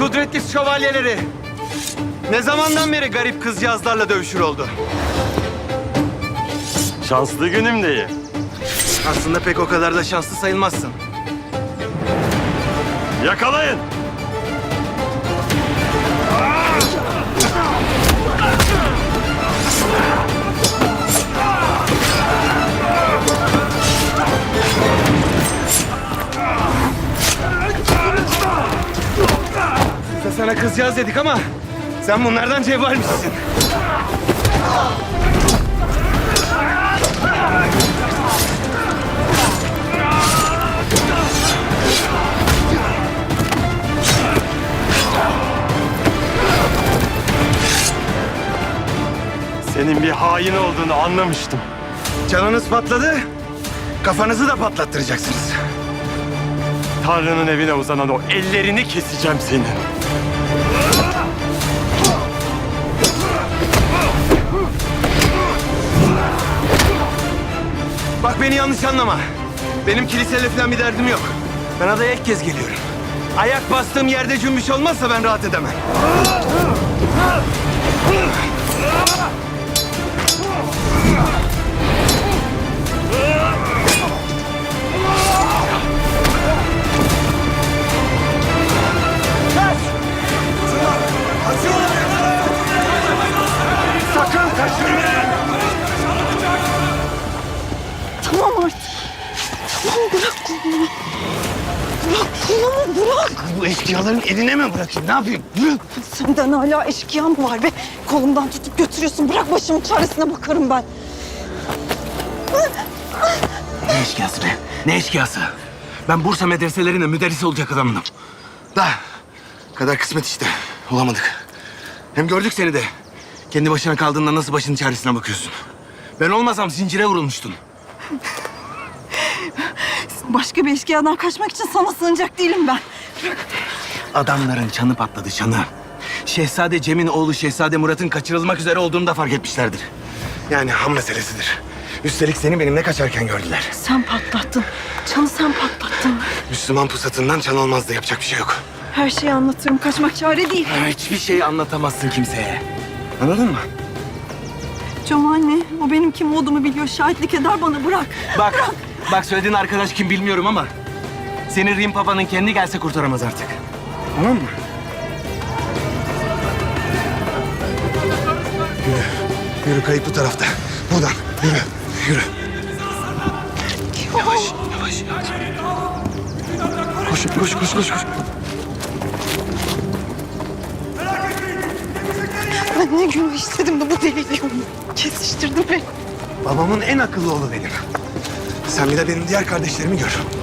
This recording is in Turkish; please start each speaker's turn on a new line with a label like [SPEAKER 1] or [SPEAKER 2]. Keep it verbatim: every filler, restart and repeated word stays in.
[SPEAKER 1] kudretli şövalyeleri ne zamandan beri garip kızcağızlarla dövüşür oldu?
[SPEAKER 2] Şanslı günüm değil.
[SPEAKER 1] Aslında pek o kadar da şanslı sayılmazsın.
[SPEAKER 2] Yakalayın!
[SPEAKER 1] Biz de sana kızcağız dedik ama sen bunlardan cevvalmişsin.
[SPEAKER 2] Senin bir hain olduğunu anlamıştım.
[SPEAKER 1] Canınız patladı, kafanızı da patlattıracaksınız.
[SPEAKER 2] Tanrı'nın evine uzanan o ellerini keseceğim senin.
[SPEAKER 1] Bak beni yanlış anlama. Benim kiliseyle falan bir derdim yok. Ben adaya ilk kez geliyorum. Ayak bastığım yerde cümbüş olmazsa ben rahat edemem. Sakın kaçırmayın!
[SPEAKER 3] Tamam artık. Tamam bırak kolumu. Bırak kolumu bırak.
[SPEAKER 1] Bu eşkıyaların eline mi bırakayım? Ne yapayım? Bırak!
[SPEAKER 3] Senden hala eşkıya mı var be? Kolumdan tutup götürüyorsun. Bırak başımın çaresine bakarım ben.
[SPEAKER 1] Ne eşkıyası be? Ne eşkıyası? Ben Bursa medreselerinde müderris olacak adamdım. Da kadar kısmet işte. Olamadık. Hem gördük seni de. Kendi başına kaldığında nasıl başının çaresine bakıyorsun. Ben olmasam zincire vurulmuştun.
[SPEAKER 3] Başka bir eşkıyadan kaçmak için sana sığınacak değilim ben.
[SPEAKER 1] Adamların çanı patladı, çanı. Şehzade Cem'in oğlu Şehzade Murat'ın kaçırılmak üzere olduğunu da fark etmişlerdir. Yani ham meselesidir. Üstelik seni benimle kaçarken gördüler.
[SPEAKER 3] Sen patlattın. Çanı sen patlattın.
[SPEAKER 1] Müslüman pusatından çan olmazdı, yapacak bir şey yok.
[SPEAKER 3] Her şeyi anlatırım. Kaçmak çare değil.
[SPEAKER 1] Ha, hiçbir şey anlatamazsın kimseye. Anladın mı?
[SPEAKER 3] Cem anne, o benim kim olduğumu biliyor. Şahitlik eder bana. Bırak.
[SPEAKER 1] Bak, bak söylediğin arkadaş kim bilmiyorum ama... ...seni Rim Papa'nın kendi gelse kurtaramaz artık. Tamam mı? Yürü, yürü kayıp bu tarafta. Buradan, yürü, yürü. Yavaş, yavaş, yavaş. Koş, koş, koş, koş, koş.
[SPEAKER 3] Ben ne günah istedim de bu deliyle kesiştirdi beni.
[SPEAKER 1] Babamın en akıllı oğlu benim. Sen bir de benim diğer kardeşlerimi gör.